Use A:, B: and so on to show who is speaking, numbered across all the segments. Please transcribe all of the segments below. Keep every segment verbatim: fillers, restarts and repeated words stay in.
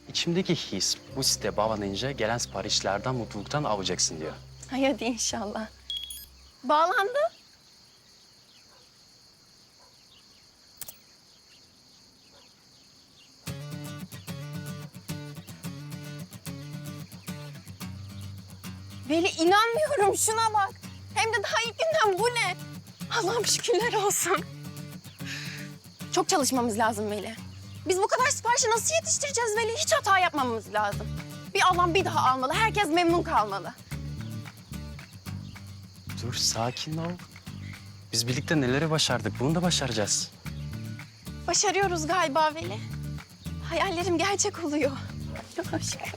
A: İçimdeki his bu site bağlanınca gelen siparişlerden mutluluktan avacaksın diyor.
B: Hay hadi inşallah. Bağlandı. Veli inanmıyorum şuna bak. Hem de daha ilk günden bu ne? Allah'ım şükürler olsun. Çok çalışmamız lazım Veli. Biz bu kadar siparişi nasıl yetiştireceğiz Veli? Hiç hata yapmamamız lazım. Bir alan bir daha almalı. Herkes memnun kalmalı.
A: Dur sakin ol. Biz birlikte neleri başardık bunu da başaracağız.
B: Başarıyoruz galiba Veli. Hayallerim gerçek oluyor. Çok şükür.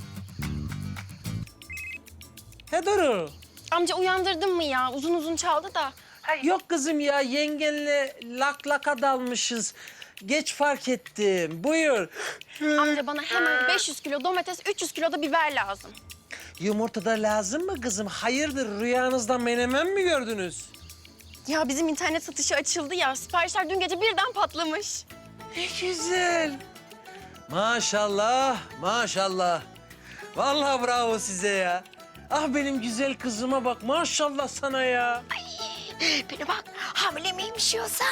C: He Duru.
B: Amca uyandırdın mı ya? Uzun uzun çaldı da.
C: Ha, yok kızım ya, yengenle lak laka dalmışız. Geç fark ettim. Buyur.
B: Amca bana hemen beş yüz kilo domates, üç yüz kilo da biber lazım.
C: Yumurta da lazım mı kızım? Hayırdır, rüyanızda menemen mi gördünüz?
B: Ya bizim internet satışı açıldı ya. Siparişler dün gece birden patlamış.
C: Ne güzel. Maşallah, maşallah. Vallahi bravo size ya. Ah benim güzel kızıma bak, maşallah sana ya.
B: Biri bak hamile miymiş yoksa?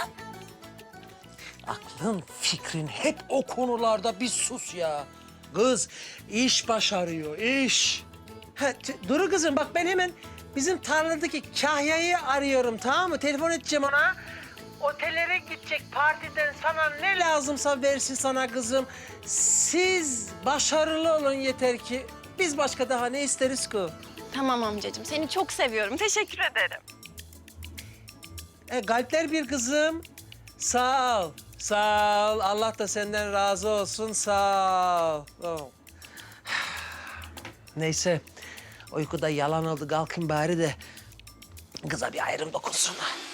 C: Aklın, fikrin hep o konularda, bir sus ya. Kız iş başarıyor, iş. Ha, t- Duru kızım bak, ben hemen bizim tarladaki Kahya'yı arıyorum, tamam mı? Telefon edeceğim ona. Otellere gidecek, partiden sana ne lazımsa versin sana kızım. Siz başarılı olun yeter ki. Biz başka daha ne isteriz ki?
B: Tamam amcacığım. Seni çok seviyorum. Teşekkür ederim.
C: E, kalpler bir kızım. Sağ ol, sağ ol. Allah da senden razı olsun, sağ ol. Oh. Neyse, uykuda yalan oldu. Kalkın bari de kıza bir ayrım dokunsun.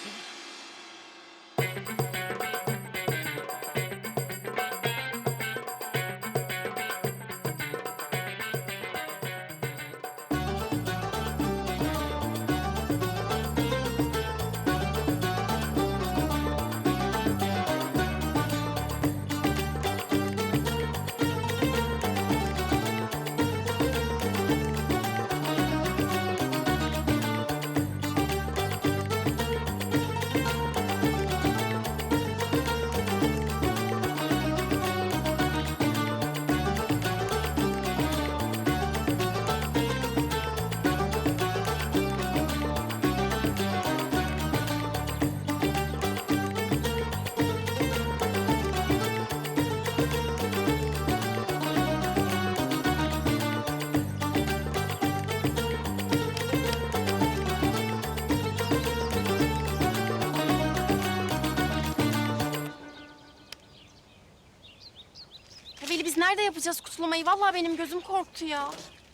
B: Ya Veli biz nerede yapacağız kutlamayı? Vallahi benim gözüm korktu ya.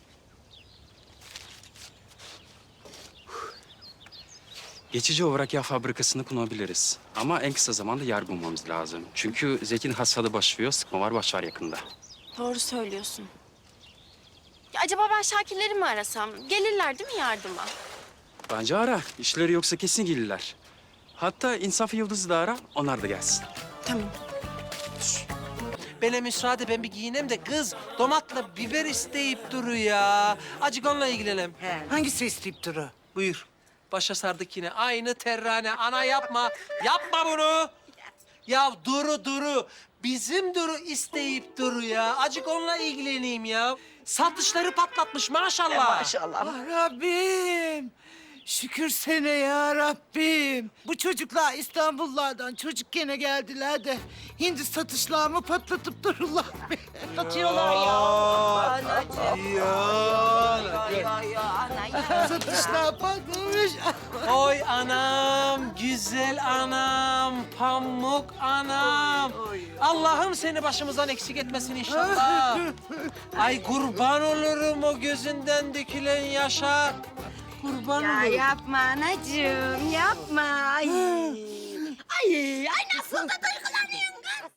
A: Geçici olarak yağ fabrikasını kullanabiliriz. Ama en kısa zamanda yer bulmamız lazım. Çünkü Zeki'nin hastalığı başlıyor, sıkma var, başlar yakında.
B: Doğru söylüyorsun. Ya acaba ben Şakirleri mi arasam? Gelirler değil mi yardıma?
A: Bence ara. İşleri yoksa kesin gelirler. Hatta İnsaf Yıldız'ı da ara, onlar da gelsin.
B: Tamam.
C: Bana müsaade, ben bir giyineyim de kız domatla biber isteyip duru ya. Acık onunla ilgilenelim.
D: Hangisi isteyip duru?
C: Buyur. Başa sardık yine. Aynı terrane. Ana yapma. Yapma bunu. Ya Duru Duru. Bizim Duru isteyip Duru ya. Acık onunla ilgileneyim ya. Satışları patlatmış maşallah.
D: Maşallah. Ah Rabbim. Şükür sene ya Rabbim. Bu çocuklar İstanbullardan çocukken geldiler de hindi satışlarımı patlatıp dururlar.
B: Satıyorlar ya. Anacığım.
C: Ya.
B: Ya ya ana ya.
D: Satışlar patlamış.
C: Oy anam, güzel anam, pamuk anam. Allah'ım seni başımızdan eksik etmesin inşallah. Ay kurban olurum o gözünden dökülen yaşa. Kurban
B: Ya
C: olurum.
B: yapma anacığım yapma. Ay. Ay, ay nasıl da